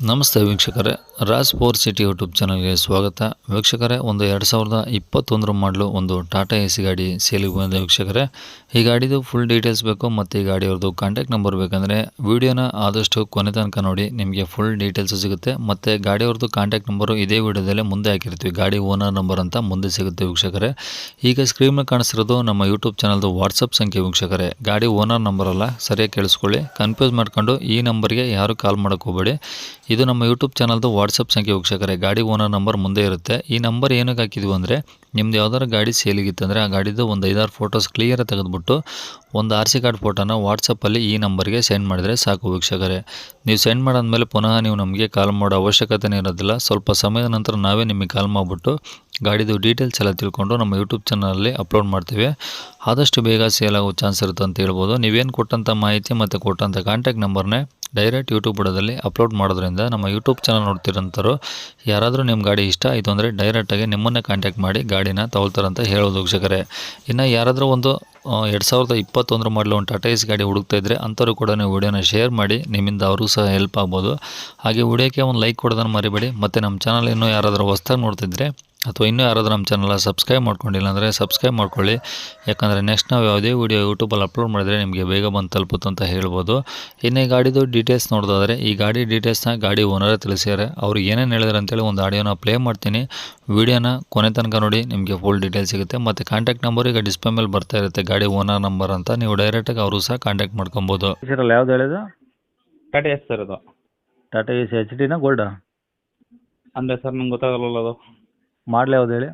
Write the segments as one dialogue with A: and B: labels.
A: ನಮಸ್ತೆ ವೀಕ್ಷಕರೇ, Raj power city YouTube ಚಾನಲ್ಗೆ ಸ್ವಾಗತ. ವೀಕ್ಷಕರೇ, ಒಂದು 2021 ಮಾಡಲು ಒಂದು ಟಾಟಾ ಎ ಸಿ ಗಾಡಿ ಸೇಲಿಗೆ ಬಂದಿದೆ ವೀಕ್ಷಕರೇ. ಈ ಗಾಡಿದು ಫುಲ್ ಡೀಟೇಲ್ಸ್ ಬೇಕು ಮತ್ತು ಈ ಗಾಡಿಯವ್ರದ್ದು ಕಾಂಟ್ಯಾಕ್ಟ್ ನಂಬರ್ ಬೇಕಂದರೆ ವಿಡಿಯೋನ ಆದಷ್ಟು ಕೊನೆ ತನಕ ನೋಡಿ, ನಿಮಗೆ ಫುಲ್ ಡೀಟೇಲ್ಸ್ ಸಿಗುತ್ತೆ. ಮತ್ತು ಗಾಡಿಯವ್ರದ್ದು ಕಾಂಟ್ಯಾಕ್ಟ್ ನಂಬರು ಇದೇ ವಿಡಿಯೋದಲ್ಲೇ ಮುಂದೆ ಹಾಕಿರ್ತೀವಿ, ಗಾಡಿ ಓನರ್ ನಂಬರ್ ಅಂತ ಮುಂದೆ ಸಿಗುತ್ತೆ ವೀಕ್ಷಕರೇ. ಈಗ ಸ್ಕ್ರೀನ್ ಮೇಲೆ ಕಾಣಿಸ್ತಿರೋದು ನಮ್ಮ ಯೂಟ್ಯೂಬ್ ಚಾನಲ್ದು ವಾಟ್ಸಪ್ ಸಂಖ್ಯೆ ವೀಕ್ಷಕರೇ. ಗಾಡಿ ಓನರ್ ನಂಬರ್ ಅಲ್ಲ, ಸರಿಯಾಗಿ ಕೇಳಿಸ್ಕೊಳ್ಳಿ. ಕನ್ಫ್ಯೂಸ್ ಮಾಡ್ಕೊಂಡು ಈ ನಂಬರ್ಗೆ ಯಾರು ಕಾಲ್ ಮಾಡೋಕ್ಕೆ ಹೋಗಬೇಡಿ. ಇದು ನಮ್ಮ ಯೂಟ್ಯೂಬ್ ಚಾನಲ್ದು ವಾಟ್ಸಪ್ ಸಂಖ್ಯೆ ವೀಕ್ಷಕರೇ. ಗಾಡಿ ಓನರ್ ನಂಬರ್ ಮುಂದೆ ಇರುತ್ತೆ. ಈ ನಂಬರ್ ಏನಕ್ಕೆ ಹಾಕಿದ್ವಿ ಅಂದರೆ, ನಿಮ್ದು ಯಾವ್ದಾರು ಗಾಡಿ ಸೇಲಿಗಿತ್ತಂದರೆ ಆ ಗಾಡಿದು ಒಂದು 5-6 ಫೋಟೋಸ್ ಕ್ಲಿಯರಾಗಿ ತೆಗೆದುಬಿಟ್ಟು ಒಂದು RC ಕಾರ್ಡ್ ಫೋಟೋನ ವಾಟ್ಸಪ್ಪಲ್ಲಿ ಈ ನಂಬರ್ಗೆ ಸೆಂಡ್ ಮಾಡಿದರೆ ಸಾಕು ವೀಕ್ಷಕರೇ. ನೀವು ಸೆಂಡ್ ಮಾಡಾದ್ಮೇಲೆ ಪುನಃ ನೀವು ನಮಗೆ ಕಾಲ್ ಮಾಡೋ ಅವಶ್ಯಕತೆನೇ ಇರೋದಿಲ್ಲ. ಸ್ವಲ್ಪ ಸಮಯದ ನಂತರ ನಾವೇ ನಿಮಗೆ ಕಾಲ್ ಮಾಡಿಬಿಟ್ಟು ಗಾಡಿದು ಡೀಟೇಲ್ಸ್ ಎಲ್ಲ ತಿಳ್ಕೊಂಡು ನಮ್ಮ ಯೂಟ್ಯೂಬ್ ಚಾನಲಲ್ಲಿ ಅಪ್ಲೋಡ್ ಮಾಡ್ತೀವಿ. ಆದಷ್ಟು ಬೇಗ ಸೇಲ್ ಆಗೋ ಚಾನ್ಸ್ ಇರುತ್ತೆ ಅಂತ ಹೇಳ್ಬೋದು. ನೀವೇನು ಕೊಟ್ಟಂಥ ಮಾಹಿತಿ ಮತ್ತು ಕೊಟ್ಟಂಥ ಕಾಂಟ್ಯಾಕ್ಟ್ ನಂಬರ್ನೇ ಡೈರೆಕ್ಟ್ ಯೂಟ್ಯೂಬ್ ಬುಡದಲ್ಲಿ ಅಪ್ಲೋಡ್ ಮಾಡೋದ್ರಿಂದ ನಮ್ಮ ಯೂಟ್ಯೂಬ್ ಚಾನಲ್ ನೋಡ್ತಿರೋಂಥವ್ರು ಯಾರಾದರೂ ನಿಮ್ಮ ಗಾಡಿ ಇಷ್ಟ ಆಯಿತು ಅಂದರೆ ಡೈರೆಕ್ಟಾಗಿ ನಿಮ್ಮನ್ನೇ ಕಾಂಟ್ಯಾಕ್ಟ್ ಮಾಡಿ ಗಾಡಿನ ತಗೊಳ್ತಾರಂತ ಹೇಳೋದು ವೀಕ್ಷಕರೇ. ಇನ್ನು ಯಾರಾದರೂ ಒಂದು 2021 ಮಾಡಲು ಒಂದು ಟಾಟಾ ಎಸ್ ಗಾಡಿ ಹುಡುಕ್ತಾ ಇದ್ದರೆ ಅಂಥವ್ರು ಕೂಡ ನೀವು ವಿಡಿಯೋನ ಶೇರ್ ಮಾಡಿ, ನಿಮ್ಮಿಂದ ಅವ್ರಿಗೂ ಸಹ ಹೆಲ್ಪ್ ಆಗ್ಬೋದು. ಹಾಗೆ ವಿಡಿಯೋಕ್ಕೆ ಒಂದು ಲೈಕ್ ಕೊಡೋದನ್ನು ಮರಿಬೇಡಿ. ಮತ್ತು ನಮ್ಮ ಚಾನಲ್ ಇನ್ನೂ ಯಾರಾದರೂ ಹೊಸ್ದಾಗಿ ನೋಡ್ತಿದ್ರೆ ಅಥವಾ ಇನ್ನೂ ಯಾರಾದರೂ ನಮ್ಮ ಚಾನಲ್ ಸಬ್ಸ್ಕ್ರೈಬ್ ಮಾಡ್ಕೊಂಡಿಲ್ಲ ಅಂದರೆ ಸಬ್ಸ್ಕ್ರೈಬ್ ಮಾಡ್ಕೊಳ್ಳಿ. ಯಾಕಂದರೆ ನೆಕ್ಸ್ಟ್ ನಾವು ಯಾವುದೇ ವೀಡಿಯೋ ಯೂಟ್ಯೂಬಲ್ಲಿ ಅಪ್ಲೋಡ್ ಮಾಡಿದರೆ ನಿಮಗೆ ಬೇಗ ಬಂದು ತಲುಪುತ್ತೆ ಅಂತ ಹೇಳ್ಬೋದು. ಇನ್ನು ಈ ಗಾಡಿದು ಡೀಟೇಲ್ಸ್ ನೋಡೋದಾದರೆ, ಈ ಗಾಡಿ ಡೀಟೇಲ್ಸ್ನ ಗಾಡಿ ಓನರೇ ತಿಳಿಸಿದ್ದಾರೆ. ಅವರು ಏನೇನು ಹೇಳಿದ್ರು ಅಂತೇಳಿ ಒಂದು ಆಡಿಯೋನ ಪ್ಲೇ ಮಾಡ್ತೀನಿ. ವಿಡಿಯೋನ ಕೊನೆ ತನಕ ನೋಡಿ, ನಿಮಗೆ ಫುಲ್ ಡೀಟೇಲ್ಸ್ ಸಿಗುತ್ತೆ. ಮತ್ತು ಕಾಂಟ್ಯಾಕ್ಟ್ ನಂಬರ್ ಈಗ ಡಿಸ್ಪ್ಲೇ ಮೇಲೆ ಬರ್ತಾ ಇರುತ್ತೆ, ಗಾಡಿ ಓನರ್ ನಂಬರ್ ಅಂತ. ನೀವು ಡೈರೆಕ್ಟಾಗಿ ಅವರು ಸಹ ಕಾಂಟ್ಯಾಕ್ಟ್ ಮಾಡ್ಕೊಬೋದು.
B: ಸರ್ ಯಾವ್ದು ಹೇಳಿದ್ದು?
C: ಟಾಟಾ ಎಸ್ ಸರ್ ಅದು.
B: ಟಾಟಾ ಎ ಸಿ HD ಗೋಲ್ಡಾ?
C: ಅಂದರೆ ಸರ್ ನಂಗೆ ಗೊತ್ತಾಗಲ್ಲ ಅದು.
B: ಮಾಡಲ್ ಯಾವ್ದು ಹೇಳಿ?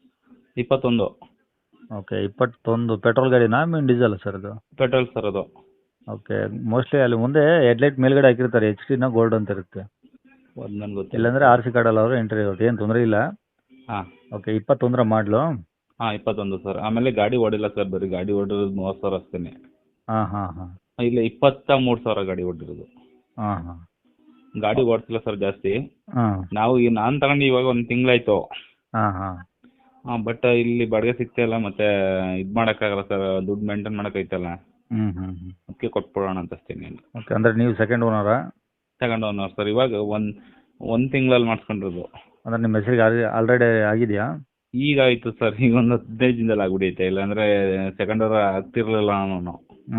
C: 21
B: ಓಕೆ, 21 ಪೆಟ್ರೋಲ್ ಗಾಡಿನಾ ಮೀನ್ ಡೀಸೆಲ್ ಸರ್ ಅದು?
C: ಪೆಟ್ರೋಲ್ ಸರ್ ಅದು.
B: ಓಕೆ, ಮೋಸ್ಟ್ಲಿ ಅಲ್ಲಿ ಮುಂದೆ ಹೆಡ್ಲೈಟ್ ಮೇಲ್ಗಡೆ ಹಾಕಿರ್ತಾರೆ HD ಗೋಲ್ಡ್ ಅಂತ ಇರುತ್ತೆ.
C: ಅದು ನನಗೆ ಗೊತ್ತಿಲ್ಲ.
B: ಇಲ್ಲಾಂದರೆ RC ಕಾರ್ಡಲ್ಲಿ ಅವರು ಎಂಟ್ರಿ ಇರುತ್ತೆ, ಏನು ತೊಂದರೆ ಇಲ್ಲ.
C: ಹಾಂ
B: ಓಕೆ, 21 ಮಾಡಲು?
C: ಹಾಂ 21 ಸರ್. ಆಮೇಲೆ ಗಾಡಿ ಓಡಿಲ್ಲ ಸರ್, ಬರೀ ಗಾಡಿ ಓಡಿರೋದು 30,000 ಅಷ್ಟೇ.
B: ಹಾಂ ಹಾಂ ಹಾಂ
C: ಇಲ್ಲ 23,000 ಗಾಡಿ ಓಡಿರೋದು.
B: ಹಾಂ ಹಾಂ
C: ಗಾಡಿ ಓಡಿಸಿಲ್ಲ ಸರ್ ಜಾಸ್ತಿ.
B: ಹಾಂ
C: ನಾನು ತಗೊಂಡು ಇವಾಗ ಒಂದು ತಿಂಗಳಾಯ್ತು.
B: ಹಾಂ ಹಾಂ
C: ಬಟ್ ಇಲ್ಲಿ ಬಾಡಿಗೆ ಸಿಗ್ತಾಯಿಲ್ಲ, ಮತ್ತೆ ಇದು ಮಾಡೋಕ್ಕಾಗಲ್ಲ ಸರ್, ದುಡ್ಡು ಮೇಂಟೈನ್ ಮಾಡೋಕ್ಕೈತಲ್ಲ, ಅದಕ್ಕೆ ಕೊಟ್ಬಿಡೋಣ ಅಂತ ಅಷ್ಟೇ.
B: ಓಕೆ, ಅಂದರೆ ನೀವು ಸೆಕೆಂಡ್ ಓನರಾ?
C: ತಗೊಂಡು ಓನರ್ ಸರ್. ಇವಾಗ ಒಂದು ತಿಂಗಳಲ್ಲಿ ಮಾಡಿಸ್ಕೊಂಡಿರೋದು.
B: ಅಂದರೆ ನಿಮ್ಮ ಹೆಸರಿಗೆ ಆಲ್ರೆಡಿ ಆಗಿದೆಯಾ?
C: ಈಗ ಆಯಿತು ಸರ್, ಈಗ ಒಂದು 15 ದಿನದಲ್ಲಿ ಆಗ್ಬಿಡೈತೆ. ಇಲ್ಲಾಂದರೆ ಸೆಕೆಂಡ್ ಓನರ್ ಆಗ್ತಿರ್ಲಿಲ್ಲ ನಾನು.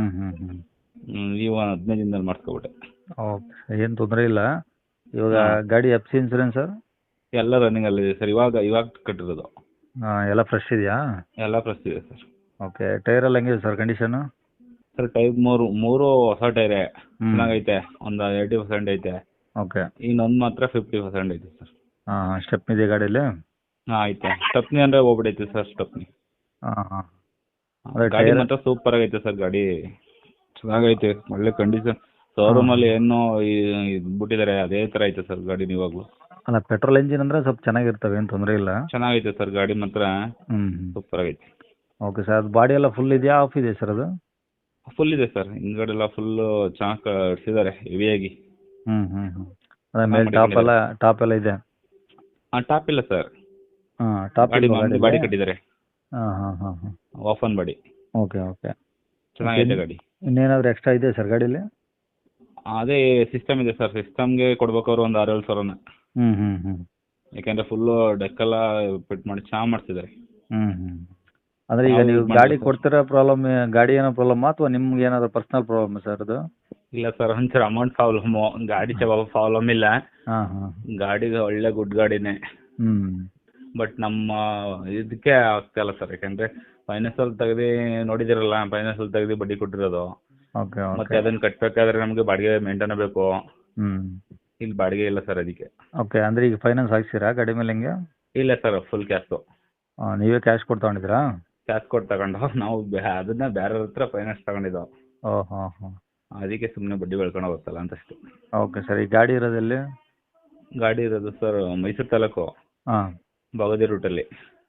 C: ಈಗ 15 ದಿನದಲ್ಲಿ ಮಾಡಿಸ್ಕೊಬಿಟ್ಟೆ.
B: ಓಕೆ, ಏನು ತೊಂದರೆ ಇಲ್ಲ. ಇವಾಗ ಗಾಡಿ FC ಇನ್ಸೂರೆನ್ಸ್ ಸರ್?
C: ಎಲ್ಲ ರನ್ನಿಂಗಲ್ಲಿದೆ ಸರ್. ಇವಾಗ ಕಟ್ಟಿರೋದು.
B: ಎಲ್ಲ ಫ್ರೆಶ್ ಇದೆಯಾ?
C: ಎಲ್ಲ ಫ್ರೆಶ್ ಇದೆ ಸರ್.
B: ಓಕೆ, ಟೈರ್ ಎಲ್ಲ ಹೆಂಗಿದೆ ಸರ್ ಕಂಡೀಷನು?
C: ಸರ್ ಟೈರ್ ಮೂರು ಹೊಸ ಟೈರೇ, ಚೆನ್ನಾಗೈತೆ. ಒಂದು 80% ಐತೆ.
B: ಓಕೆ,
C: ಇನ್ನೊಂದು ಮಾತ್ರ 50% ಐತೆ ಸರ್.
B: ಹಾಂ, ಸ್ಟೆಪ್ನಿ ಇದೆ ಗಾಡೀಲಿ?
C: ಹಾಂ ಐತೆ. ಸ್ಟೆಪ್ನಿ ಅಂದರೆ ಹೋಗ್ಬಿಡೈತೆ ಸರ್ ಸ್ಟೆಪ್ನಿ.
B: ಹಾಂ ಹಾಂ
C: ಗಾಡಿ ಮಾತ್ರ ಸೂಪರ್ ಆಗೈತೆ ಸರ್. ಗಾಡಿ ಚೆನ್ನಾಗೈತೆ, ಒಳ್ಳೆ ಕಂಡೀಷನ್. ಶೋರೂಮಲ್ಲಿ ಏನೋ ಬಿಟ್ಟಿದ್ದಾರೆ ಅದೇ ಥರ ಐತೆ ಸರ್ ಗಾಡಿ ಇವಾಗಲೂ.
B: ಅಲ್ಲ, ಪೆಟ್ರೋಲ್ ಇಂಜಿನ್ ಅಂದರೆ ಸ್ವಲ್ಪ ಚೆನ್ನಾಗಿರ್ತವೆ, ಏನು ತೊಂದರೆ ಇಲ್ಲ.
C: ಚೆನ್ನಾಗೈತೆ ಸರ್ ಗಾಡಿ ಮಾತ್ರ ಸೂಪರ್ ಆಗೈತೆ.
B: ಓಕೆ ಸರ್, ಅದು ಬಾಡಿ ಎಲ್ಲ ಫುಲ್ ಇದೆಯಾ, ಆಫ್ ಇದೆ ಸರ್ ಅದು?
C: ಫುಲ್ ಇದೆ ಸರ್, ಹಿಂದ್ಗಡೆ ಎಲ್ಲ ಫುಲ್ಲು ಚೆನ್ನಾಗಿ ಕಟ್ಸಿದ್ದಾರೆ ಹೆವಿಯಾಗಿ.
B: ಅದ್ರ ಮೇಲೆ ಟಾಪ್ ಎಲ್ಲ ಇದೆ?
C: ಹಾಂ ಟಾಪ್ ಇಲ್ಲ ಸರ್.
B: ಹಾಂ, ಟಾಪ್
C: ಬಾಡಿ ಕಟ್ಟಿದ್ದಾರೆ.
B: ಹಾಂ ಹಾಂ ಹಾಂ ಹಾಂ
C: ಓಪನ್ ಬಾಡಿ.
B: ಓಕೆ ಓಕೆ,
C: ಚೆನ್ನಾಗೈತೆ ಗಾಡಿ.
B: ಇನ್ನೇನಾದರೂ ಎಕ್ಸ್ಟ್ರಾ ಇದೆ ಸರ್ ಗಾಡೀಲಿ?
C: ಅದೇ ಸಿಸ್ಟಮ್ ಇದೆ ಸರ್. ಸಿಸ್ಟಮ್ಗೆ ಕೊಡ್ಬೇಕು ಅವ್ರು ಒಂದು 6-7 ಸಾವಿರನ. ಯಾಕೆಂದರೆ ಫುಲ್ಲು ಡೆಕ್ಕೆಲ್ಲ ಫಿಟ್ ಮಾಡಿ ಚೆನ್ನಾಗಿ ಮಾಡಿಸಿದ್ದಾರೆ.
B: ಅಂದರೆ ಈಗ ನೀವು ಗಾಡಿ ಕೊಡ್ತಿರೋ ಪ್ರಾಬ್ಲಮ್, ಗಾಡಿ ಏನೋ ಪ್ರಾಬ್ಲಮ್ ಅಥವಾ ನಿಮ್ಗೆ ಏನಾದರೂ ಪರ್ಸ್ನಲ್ ಪ್ರಾಬ್ಲಮ್ ಸರ್ ಅದು?
C: ಇಲ್ಲ ಸರ್, ಒಂಚೂರು ಅಮೌಂಟ್ ಪ್ರಾಬ್ಲಮ್ಮು. ಗಾಡಿ ಪ್ರಾಬ್ಲಮ್ ಇಲ್ಲ.
B: ಹಾಂ ಹಾಂ
C: ಗಾಡಿಗೆ ಒಳ್ಳೆ ಗುಡ್ ಗಾಡಿನೇ. ಬಟ್ ನಮ್ಮ ಇದಕ್ಕೆ ಆಗ್ತಾಯಿಲ್ಲ ಸರ್, ಯಾಕೆಂದರೆ ಫೈನಾನ್ಸಲ್ಲಿ ತೆಗೆದು ನೋಡಿದಿರಲ್ಲ, ಫೈನಾನ್ಸಲ್ಲಿ ತೆಗೆದು ಬಡ್ಡಿ ಕೊಟ್ಟಿರೋದು.
B: ಓಕೆ
C: ಮತ್ತೆ ಅದನ್ನು ಕಟ್ಟಬೇಕಾದ್ರೆ ನಮಗೆ ಬಾಡಿಗೆ ಮೇಂಟೈನ್ ಬೇಕು. ಇಲ್ಲಿ ಬಾಡಿಗೆ ಇಲ್ಲ ಸರ್, ಅದಕ್ಕೆ.
B: ಓಕೆ, ಅಂದರೆ ಈಗ ಫೈನಾನ್ಸ್ ಹಾಕ್ಸಿರಾ ಗಾಡಿ ಮೇಲೆ ಹೆಂಗೆ?
C: ಇಲ್ಲ ಸರ್, ಫುಲ್ ಕ್ಯಾಶು.
B: ನೀವೇ ಕ್ಯಾಶ್ ಕೊಟ್ಟು ತಗೊಂಡಿದ್ದೀರಾ?
C: ಕ್ಯಾಶ್ ಕೊಟ್ಟು ತಗೊಂಡು ನಾವು ಅದನ್ನ ಬೇರೆ ಹತ್ರ ಫೈನಾನ್ಸ್ ತಗೊಂಡಿದ್ದೋ.
B: ಹಾಂ ಹಾಂ
C: ಅದಕ್ಕೆ ಸುಮ್ಮನೆ ಬಡ್ಡಿ ಬೆಳ್ಕೊಂಡು ಹೋಗುತ್ತಲ್ಲ ಅಂತ ಅಷ್ಟೇ.
B: ಓಕೆ ಸರ್, ಈ ಗಾಡಿ ಇರೋದೆಲ್ಲಿ?
C: ಗಾಡಿ ಇರೋದು ಸರ್ ಮೈಸೂರು ತಾಲೂಕು, ಬಗದಿ ರೂಟಲ್ಲಿ.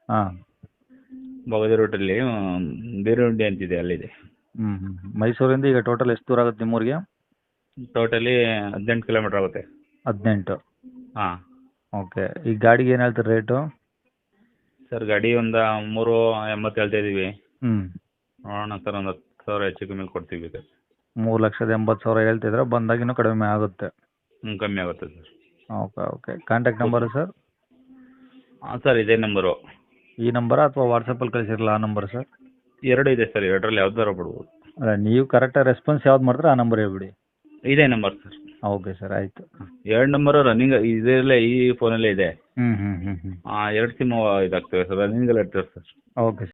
C: ಬಗದಿ ರೂಟಲ್ಲಿ ಬೀರುಂಡಿ ಅಂತಿದೆ, ಅಲ್ಲಿದೆ.
B: ಮೈಸೂರಿಂದ ಈಗ ಟೋಟಲ್ ಎಷ್ಟು ದೂರ ಆಗುತ್ತೆ ನಿಮ್ಮೂರಿಗೆ?
C: ಟೋಟಲಿ 18 ಕಿಲೋಮೀಟ್ರ್ ಆಗುತ್ತೆ.
B: 18?
C: ಹಾಂ.
B: ಓಕೆ, ಈ ಗಾಡಿಗೆ ಏನು ಹೇಳ್ತಾರೆ ರೇಟು?
C: ಸರ್ ಗಾಡಿ ಒಂದು 380 ಹೇಳ್ತಾ ಇದ್ದೀವಿ. ನೋಡೋಣ ಸರ್, ಒಂದು 10,000 ಹೆಚ್ಚು ಕಮ್ಮಿ ಕೊಡ್ತೀವಿ.
B: 3,80,000 ಹೇಳ್ತಿದ್ರೆ ಬಂದಾಗ ಇನ್ನೂ ಕಡಿಮೆ ಆಗುತ್ತೆ.
C: ಕಮ್ಮಿ ಆಗುತ್ತೆ sir.
B: Okay okay contact number sir?
C: ಹಾಂ ಸರ್ ಇದೇ ನಂಬರು.
B: ಈ ನಂಬರಾ ಅಥವಾ ವಾಟ್ಸಪ್ಪಲ್ಲಿ ಕಳಿಸಿರಲ್ಲ ಆ ನಂಬರ್ ಸರ್?
C: ಎರಡು ಇದೆ ಸರ್, ಎರಡರಲ್ಲಿ ಯಾವ್ದಾರು ಬಿಡ್ಬೋದು.
B: ಅಲ್ಲ ನೀವು ಕರೆಕ್ಟಾಗಿ ರೆಸ್ಪಾನ್ಸ್ ಯಾವ್ದು ಮಾಡ್ತೀರೋ ಆ ನಂಬರ್ ಹೇಳ್ಬಿಡಿ.
C: ಇದೇ ನಂಬರ್ ಸರ್.
B: ಓಕೆ ಸರ್ ಆಯಿತು.
C: ಎರಡು ನಂಬರು ರನ್ನಿಂಗ್ ಇದರಲ್ಲೇ, ಈ ಫೋನಲ್ಲೇ ಇದೆ.
B: ಹ್ಞೂ ಹ್ಞೂ ಹ್ಞೂ ಹ್ಞೂ
C: ಎರಡು ಸಿಮ್ಮು ಇದಾಗ್ತವೆ ಸರ್, ರನ್ನಿಂಗಲ್ಲಿ ಇರ್ತವೆ ಸರ್.
B: ಓಕೆ